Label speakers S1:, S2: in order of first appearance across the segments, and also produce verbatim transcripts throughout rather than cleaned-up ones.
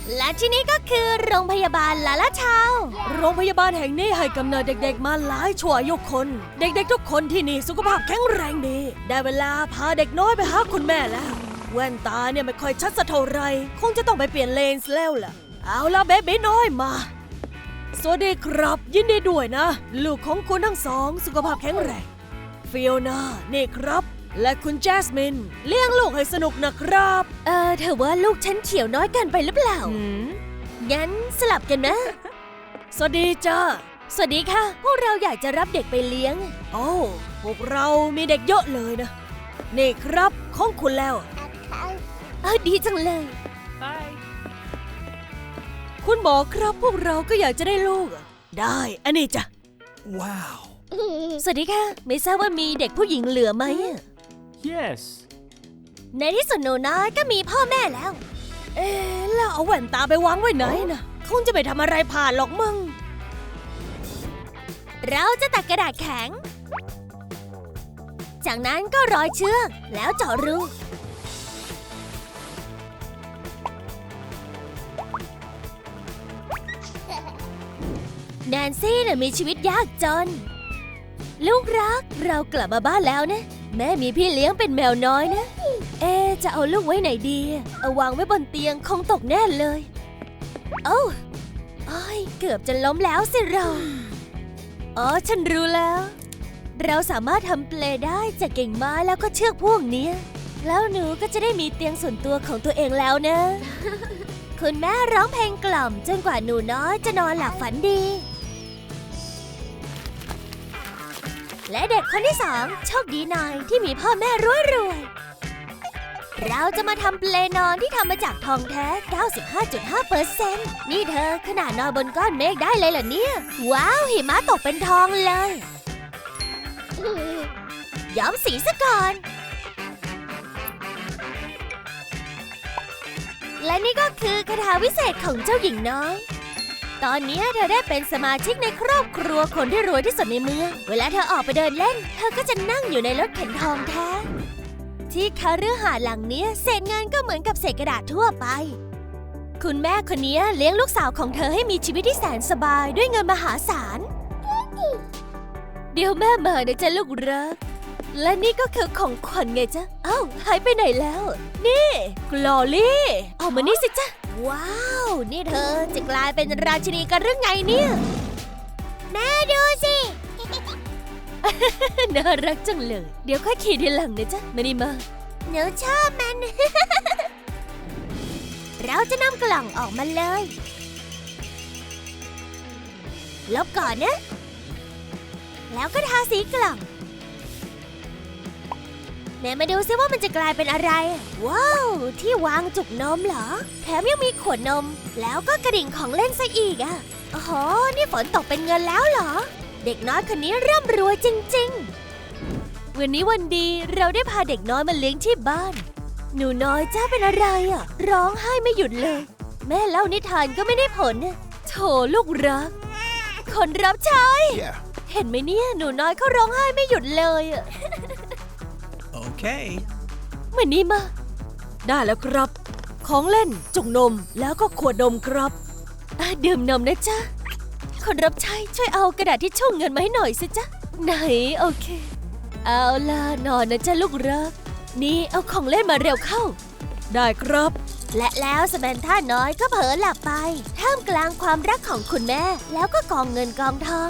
S1: และที่นี่ก็คือโรงพยาบาลลาลาชาวโรงพยาบาลแห่งนี้ให้กำเนิดเด็กๆมาหลายชั่วอายุคน เด็กๆทุกคนที่นี่สุขภาพแข็งแรงดีได้เวลาพาเด็กน้อยไปหาคุณแม่แล้วแว่นตาเนี่ยไม่ค่อยชัดสักเท่าไรคงจะต้องไปเปลี่ยนเลนส์แล้วล่ะเอาล่ะเบบี้น้อยมาสวัสดีครับยินดีด้วยนะลูกของคุณทั้งสองสุขภาพแข็งแรงฟิโอนานี่ครับและคุณแจสมินเลี้ยงลูกให้สนุกนะครับเออเธอว่าลูกฉันเขียวน้อยเกินไปหรือเปล่างั้นสลับกันนะ สวัสดีจ้าสวัสดีค่ะพวกเราอยากจะรับเด็กไปเลี้ยงโอ้พวกเรามีเด็กเยอะเลยนะนี่ครับของคุณแล้วเออดีจังเลย
S2: Bye.
S1: คุณหมอครับพวกเราก็อยากจะได้ลูกได้อันนี้จ้ะ
S2: Wow.
S1: สวัสดีค่ะไม่ทราบว่ามีเด็กผู้หญิงเหลือไหม
S2: Yes.
S1: ในที่สุดหนูน้อยก็มีพ่อแม่แล้วเอ๊ะแล้วเอาแว่นตาไปวางไว้ไหนนะคงจะไปทำอะไรผ่านหรอกมึงเราจะตัดกระดาษแข็งจากนั้นก็ร้อยเชือกแล้วเจาะรูแนนซี่น่ะมีชีวิตยากจนลูกรักเรากลับมาบ้านแล้วนะแม่มีพี่เลี้ยงเป็นแมวน้อยนะเอ๊ะจะเอาลูกไว้ไหนดีเอาวางไว้บนเตียงคงตกแน่เลยโอ้โอ้ยเกือบจะล้มแล้วสิเราอ๋อฉันรู้แล้วเราสามารถทำเปลได้จากกิ่งไม้แล้วก็เชือกพวกนี้แล้วหนูก็จะได้มีเตียงส่วนตัวของตัวเองแล้วนะ คุณแม่ร้องเพลงกล่อมจนกว่าหนูน้อยจะนอนหลับฝันดีและเด็กคนที่สองโชคดีหน่อยที่มีพ่อแม่รวยๆเราจะมาทำเปลนอนที่ทำมาจากทองแท้ เก้าสิบห้าจุดห้าเปอร์เซ็นต์ นี่เธอขนาดนอนบนก้อนเมฆได้เลยเหรอเนี่ยว้าวหิมะตกเป็นทองเลยย้อมสีซะก่อนและนี่ก็คือคาถาวิเศษของเจ้าหญิงน้อยตอนนี้เธอได้เป็นสมาชิกในครอบครัวคนที่รวยที่สุดในเมืองเวลาเธอออกไปเดินเล่นเธอก็จะนั่งอยู่ในรถเข็นทองแท้ที่คฤหาสน์หลังนี้เศษเงินก็เหมือนกับเศษกระดาษทั่วไปคุณแม่คนนี้เลี้ยงลูกสาวของเธอให้มีชีวิตที่แสนสบายด้วยเงินมหาศาลเดี๋ยวแม่มานะจ๊ะลูกรักและนี่ก็คือของขวัญไงจ๊ะเอ้าหายไปไหนแล้วนี่กลอลี่ออกมานี่สิจ๊ะว้าวนี่เธอจะกลายเป็นราชินีกันหรือไงเนี่ยแม่ดูสิ น่ารักจังเลยเดี๋ยวค่อยขี่ทีหลังนะจ๊ะมานี่มาหนูชอบมัน เราจะนำกล่องออกมาเลยลบก่อนนะแล้วก็ทาสีกล่องไหนมาดูซิว่ามันจะกลายเป็นอะไรว้าวที่วางจุกนมเหรอแถมยังมีขวดนมแล้วก็กระดิ่งของเล่นซะอีกอ่ะโอ้โหนี่ฝนตกเป็นเงินแล้วเหรอเด็กน้อยคนนี้ร่ำรวยจริงๆวันนี้วันดีเราได้พาเด็กน้อยมาเลี้ยงที่บ้านหนูน้อยจ้าเป็นอะไรอ่ะร้องไห้ไม่หยุดเลยแม่เล่านิทานก็ไม่ได้ผลโถลูกรักคนรับใช้
S2: Yeah.
S1: เห็นไหมเนี่ยหนูน้อยเขาร้องไห้ไม่หยุดเลยอ่ะ
S2: Okay.
S1: มานี่มาได้แล้วครับของเล่นจุกนมแล้วก็ขวดนมครับอ่ะดื่มนมนะจ๊ะคนรับใช้ช่วยเอากระดาษที่ชุ่มเงินมาให้หน่อยสิจ๊ะไหนโอเคเอาล่ะนอนนะจ๊ะลูกรักนี่เอาของเล่นมาเร็วเข้าได้ครับและแล้วสแมนท่าน้อยก็เผลอหลับไปท่ามกลางความรักของคุณแม่แล้วก็กองเงินกองทอง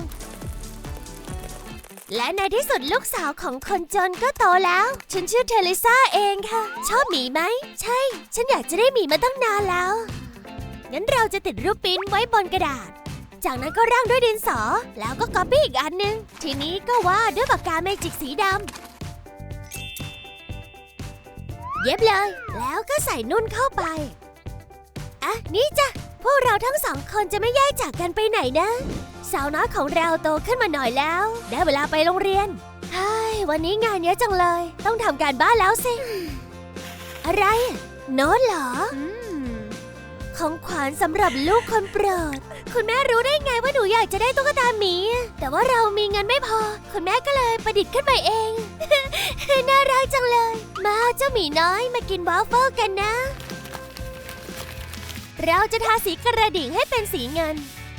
S1: และในที่สุดลูกสาวของคนจนก็โตแล้วฉันชื่อเทเลซ่าเองค่ะชอบหมีไหมใช่ฉันอยากจะได้หมีมาตั้งนานแล้วงั้นเราจะติดรูปปริ้นไว้บนกระดาษจากนั้นก็ร่างด้วยดินสอแล้วก็ก๊อปปี้อีกอันนึงทีนี้ก็วาดด้วยปากกาเมจิกสีดำเย็บเลยแล้วก็ใส่นุ่นเข้าไปอ่ะนี่จ้ะพวกเราทั้งสองคนจะไม่แยกจากกันไปไหนนะสาวน้อยของเราโตขึ้นมาหน่อยแล้วได้เวลาไปโรงเรียนเฮ้ยวันนี้งานเยอะจังเลยต้องทำการบ้านแล้วสิอะไรโน้ตเหรอของขวัญสำหรับลูกคนโปรดคุณแม่รู้ได้ไงว่าหนูอยากจะได้ตุ๊กตาหมีแต่ว่าเรามีเงินไม่พอคุณแม่ก็เลยประดิษฐ์ขึ้นมาเอง น่ารักจังเลยมาเจ้าหมีน้อยมากินวาฟเฟิลกันนะเราจะทาสีกระดิ่งให้เป็นสีเงิน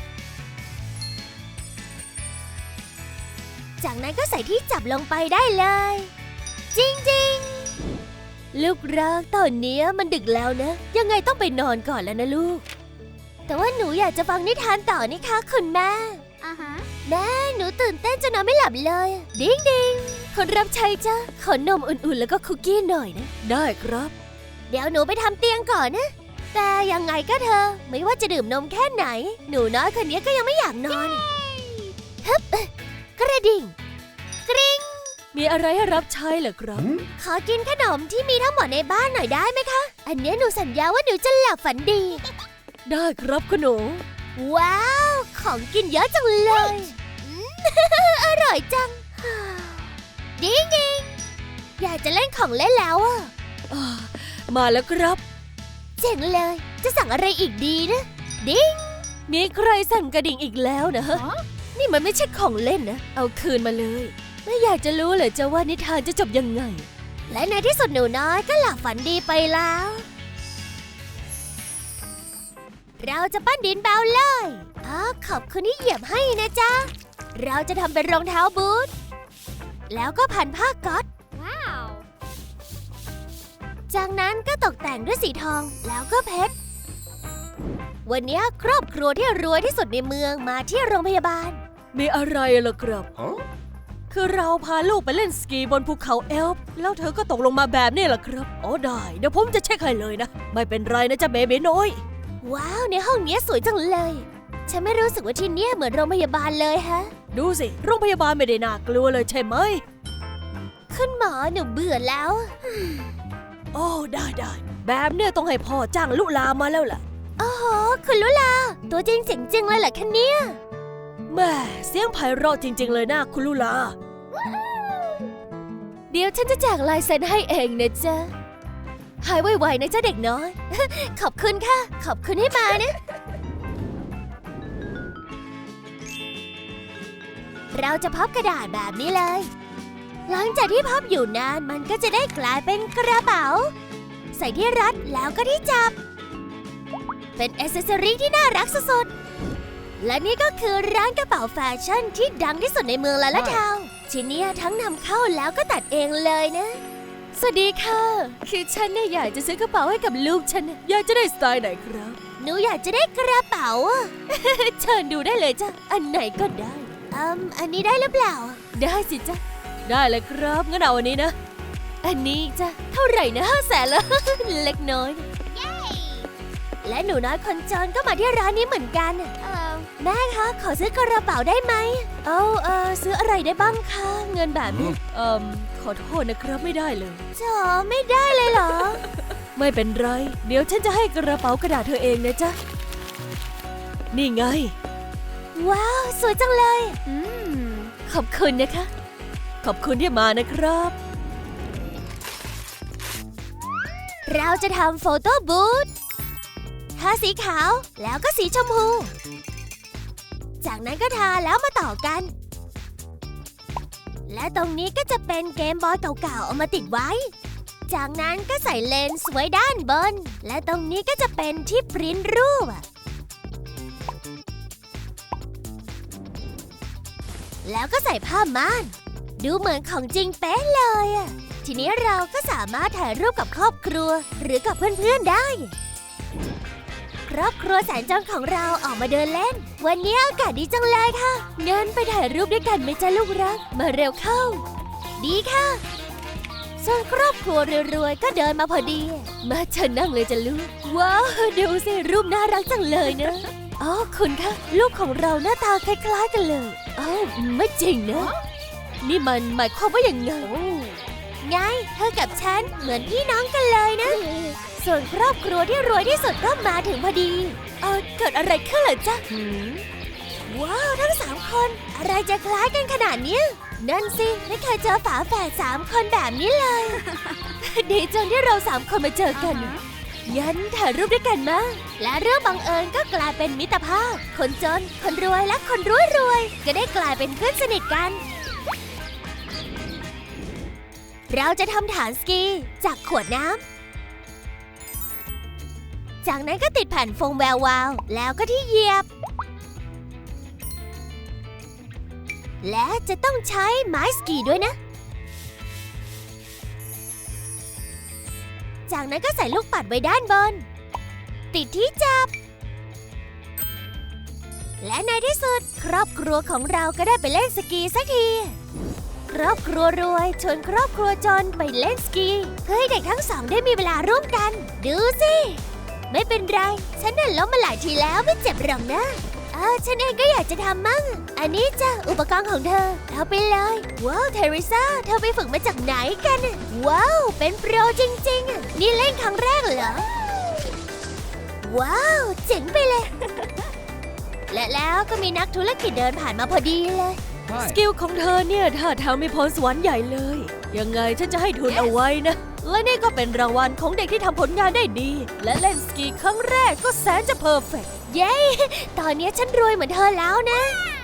S1: จากนั้นก็ใส่ที่จับลงไปได้เลยจริงๆลูกรักตอนนี้มันดึกแล้วนะยังไงต้องไปนอนก่อนแล้วนะลูกแต่ว่าหนูอยากจะฟังนิทานต่อนี่คะคุณแม่อ่าฮะแม่หนูตื่นเต้นจนนอนไม่หลับเลยดิ้งดิ้งคนรับใช้จ้ะขอนมอุ่นๆแล้วก็คุกกี้หน่อยนะได้ครับเดี๋ยวหนูไปทำเตียงก่อนนะแต่ยังไงก็เธอไม่ว่าจะดื่มนมแค่ไหนหนูน้อยคนนี้ก็ยังไม่อยากนอนฮึบกระดิ่งกริ๊งมีอะไรให้รับใช้เหรอครับขอกินขนมที่มีทั้งหมดในบ้านหน่อยได้ไหมคะอันนี้หนูสัญญาว่าหนูจะหลับฝันดีได้ครับคุณหนูว้าวของกินเยอะจังเลยอร่อยจังดิ้งดิ้งอยากจะเล่นของเล่นแล้วอ่ะมาแล้วครับเจ๋งเลยจะสั่งอะไรอีกดีนะดิ้งมีใครสั่งกระดิ่งอีกแล้วนะฮะนี่มันไม่ใช่ของเล่นนะเอาคืนมาเลยไม่อยากจะรู้เลยจะว่านิทานจะจบยังไงและในที่สุดหนูน้อยก็หลับฝันดีไปแล้วเราจะปั้นดินเบาเลยอ๋อขอบคุณที่เหยียบให้นะจ๊ะเราจะทำเป็นรองเท้าบูทแล้วก็พันผ้าก๊อซว้าวจากนั้นก็ตกแต่งด้วยสีทองแล้วก็เพชรวันนี้ครอบครัวที่รวยที่สุดในเมืองมาที่โรงพยาบาลมีอะไรล่ะครับ huh? คือเราพาลูกไปเล่นสกีบนภูเขาเอลป์แล้วเธอก็ตกลงมาแบบนี้ล่ะครับอ๋อได้เดี๋ยวผมจะเช็คให้เลยนะไม่เป็นไรนะจ๊ะเบบีน้อยว้าวในห้องนี้สวยจังเลยฉันไม่รู้สึกว่าที่นี่เหมือนโรงพยาบาลเลยฮะดูสิโรงพยาบาลไม่ได้น่ากลัวเลยใช่ไหมคุณหมอหนูเบื่อแล้วโอ้ได้ได้แบบเนี้ยต้องให้พ่อจ้างลุลามาแล้วล่ะโอ้โหคุณลุลาตัวจริงเสียงจริงเลยเหรอคะเนี่ยแม่เสียงไพเราะจริงๆเลยนะคุณลุลาเดี๋ยวฉันจะแจกลายเซ็นให้เองนะจ๊ะหายไวๆนะจ๊ะเด็กน้อย ขอบคุณค่ะขอบคุณให้มานะเราจะพับกระดาษแบบนี้เลยหลังจากที่พับอยู่นานมันก็จะได้กลายเป็นกระเป๋าใส่ที่รัดแล้วก็ที่จับเป็นแอคเซสซอรี่ที่น่ารักสุดๆและนี่ก็คือร้านกระเป๋าแฟชั่นที่ดังที่สุดในเมืองลาลาทาวน์ชิ้นนี้ทั้งนำเข้าแล้วก็ตัดเองเลยนะสวัสดีค่ะคือฉันเนี่ยอยากจะซื้อกระเป๋าให้กับลูกฉันอยากจะได้สไตล์ไหนครับหนูอยากจะได้กระเป๋า เชิญดูได้เลยจ้ะอันไหนก็ได้อืมอันนี้ได้หรือเปล่าได้สิจ้ะได้เลยครับงั้นเอาอันนี้นะอันนี้จ้ะเท่าไหร่นะห้าแสนละ เล็กน้อยและหนูน้อยคนจนก็มาที่ร้านนี้เหมือนกันแม่คะขอซื้อกระเป๋าได้ไหมเอาเออซื้ออะไรได้บ้างคะเงินแบบนี้เอ่อขอโทษนะครับไม่ได้เลยจ๋อไม่ได้เลยเหรอ ไม่เป็นไรเดี๋ยวฉันจะให้กระเป๋ากระดาษเธอเองนะจ๊ะนี่ไงว้าวสวยจังเลยอืมขอบคุณนะคะขอบคุณที่มานะครับเราจะทำโฟโต้บูธทาสีขาวแล้วก็สีชมพูจากนั้นก็ทาแล้วมาต่อกันและตรงนี้ก็จะเป็นเกมบอยเก่าๆเอามาติดไว้จากนั้นก็ใส่เลนส์ไว้ด้านบนและตรงนี้ก็จะเป็นที่พริ้นรูปแล้วก็ใส่ผ้าม่านดูเหมือนของจริงเป๊ะเลยอ่ะทีนี้เราก็สามารถถ่ายรูปกับครอบครัวหรือกับเพื่อนๆได้ครอบครัวแสนจนของเราออกมาเดินเล่นวันนี้อากาศดีจังเลยค่ะเดินไปถ่ายรูปด้วยกันไหมจ๊ะลูกรักมาเร็วเข้าดีค่ะส่วนครอบครัวรวยๆก็เดินมาพอดีมาเชิญนั่งเลยจ้ะลูกว้าวดูสิรูปน่ารักจังเลยนะอ๋อคุณคะลูกของเราหน้าตาคล้ายๆกันเลยอ้าวไม่จริงนะนี่มันหมายความว่าอย่างไงไงเธอกับฉันเหมือนพี่น้องกันเลยนะส่วนครอบครัวที่รวยที่สุดก็มาถึงพอดีเออเกิดอะไรขึ้นเหรอจ๊ะว้าวทั้งสามคนอะไรจะคล้ายกันขนาดนี้นั่นสิไม่เคยเจอฝาแฝดสามคนแบบนี้เลย ดีจังที่เราสามคนมาเจอกันยันถ่ายรูปด้วยกันมาและเรื่องบังเอิญก็กลายเป็นมิตรภาพคนจนคนรวยและคนรวยรวยก็ได้กลายเป็นเพื่อนสนิทกันเราจะทำฐานสกีจากขวดน้ำจากนั้นก็ติดแผ่นโฟมแวววาวแล้วก็ที่เหยียบ และจะต้องใช้ไม้สกีด้วยนะ จากนั้นก็ใส่ลูกปัดไว้ด้านบน ติดที่จับ และในที่สุดครอบครัวของเราก็ได้ไปเล่นสกีสักที ครอบครัวรวยชวนครอบครัวจนไปเล่นสกีเพื่อให้เด็กทั้งสองได้มีเวลาร่วมกัน ดูสิ ไม่เป็นไร ฉันน่ะล้มมาหลายทีแล้วไม่เจ็บหรอกนะเออฉันเองก็อยากจะทำมั่ง อันนี้จ้ะอุปกรณ์ของเธอเอาไปเลย ว้าวเทเรซ่าเธอไปฝึกมาจากไหนกันน่ะว้าวเป็นโปรจริงๆอ่ะนี่เล่นครั้งแรกเหรอ ว้าวเจ๋งไปเลย และแล้วก็มีนักธุรกิจเดินผ่านมาพอดีเลย สกิลของเธอเนี่ยท่าทางมีพรสวรรค์ใหญ่เลย ยังไงฉันจะให้ทุนเอาไว้นะ และนี่ก็เป็นรางวัลของเด็กที่ทำผลงานได้ดี และเล่นสกีครั้งแรกก็แสนจะเพอร์เฟกต์ เย้ ตอนนี้ฉันรวยเหมือนเธอแล้วนะ